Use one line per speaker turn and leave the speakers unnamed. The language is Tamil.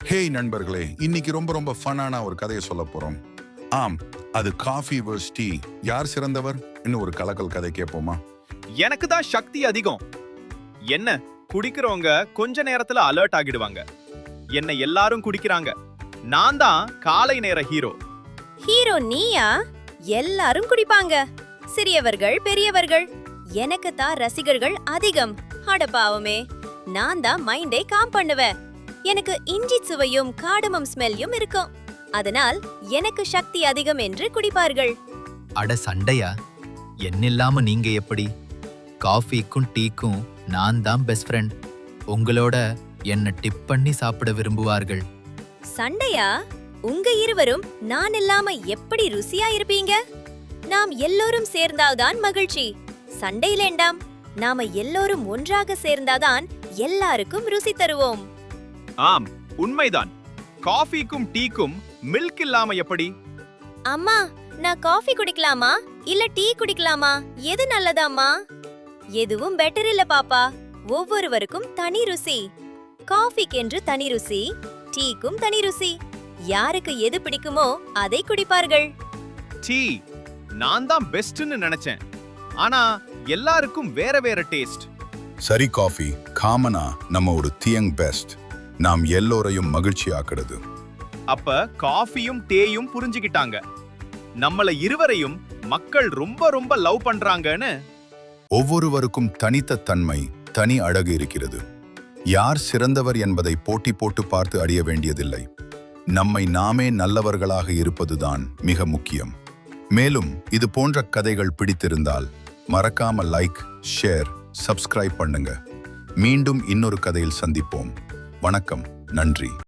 ஹேய் நண்பர்களே, இன்னைக்கு ரொம்ப ரொம்ப ஃபன்னான ஒரு கதையை சொல்ல போறோம். ஆம், அது காஃபி வர்ஸ் டீ. யார் சிறந்தவர்? இன்னும் ஒரு கலக்கல் கதை கேட்போமா?
எனக்கு தான் சக்தி அதிகம். என்ன குடிக்கிறவங்க கொஞ்ச நேரத்துல அலர்ட் ஆகிடுவாங்க. என்ன எல்லாரும் குடிக்கிறாங்க. நான் தான் காலை நேர ஹீரோ.
ஹீரோ நீயா? எல்லாரும் குடிப்பாங்க, சிறியவர்கள் பெரியவர்கள். எனக்கு தான் ரசிகர்கள் அதிகம். அட பாவமே, நான் தான் மைண்டே காம் பண்ணுவேன். எனக்கு இஞ்சி சுவையும் காடமம் ஸ்மெல்லும் இருக்கும். அதனால் எனக்கு சக்தி அதிகம் என்று குடிப்பார்கள்.
அட சண்டையா? என்னில்லாம நீங்க எப்படி? காஃபிக்கும் டீக்கும் நான் தான் பெஸ்ட் ஃப்ரெண்ட். உங்களோட என்ன டிப் பண்ணி சாப்பிட விரும்புவார்கள்.
சண்டையா? உங்க இருவரும் நான் இல்லாம எப்படி ருசியா இருப்பீங்க? நாம் எல்லோரும் சேர்ந்தால்தான் மகிழ்ச்சி. சண்டையிலேண்டாம். நாம எல்லோரும் ஒன்றாக சேர்ந்தாதான் எல்லாருக்கும் ருசி தருவோம்.
ஆம், உண்மைதான். காஃபிக்கும் டீக்கும் மில்க் இல்லாம எப்படி?
அம்மா, நான் காஃபி குடிக்கலாமா இல்ல டீ குடிக்கலாமா? எது நல்லதாம்மா? எதுவும் பெட்டர் இல்ல பாப்பா. ஒவ்வொருவருக்கும் தனி ருசி. காஃபிக்கென்று தனி ருசி, டீக்கும் தனி ருசி. யாருக்கு எது பிடிக்குமோ அதை குடிப்பார்கள்.
டீ நான் தான் பெஸ்ட்னு நினைச்சேன். ஆனா எல்லாருக்கும் வேற வேற டேஸ்ட்.
சரி, காஃபி காமனா நம்ம ஒரு தியங் பெஸ்ட். நாம் எல்லோரையும் மகிழ்ச்சி ஆக்குறது.
அப்ப காஃபியும் டேயும் புரிஞ்சுக்கிட்டாங்க. நம்மள இருவரையும் மக்கள் ரொம்ப ரொம்ப லவ் பண்றாங்கன்னு.
ஒவ்வொருவருக்கும் தனித்த தன்மை, தனி அழகு இருக்கிறது. யார் சிறந்தவர் என்பதை போட்டி போட்டு பார்த்து அறிய வேண்டியதில்லை. நம்மை நாமே நல்லவர்களாக இருப்பதுதான் மிக முக்கியம். மேலும் இது போன்ற கதைகள் பிடித்திருந்தால் மறக்காம லைக், ஷேர், சப்ஸ்கிரைப் பண்ணுங்க. மீண்டும் இன்னொரு கதையில் சந்திப்போம். வணக்கம், நன்றி.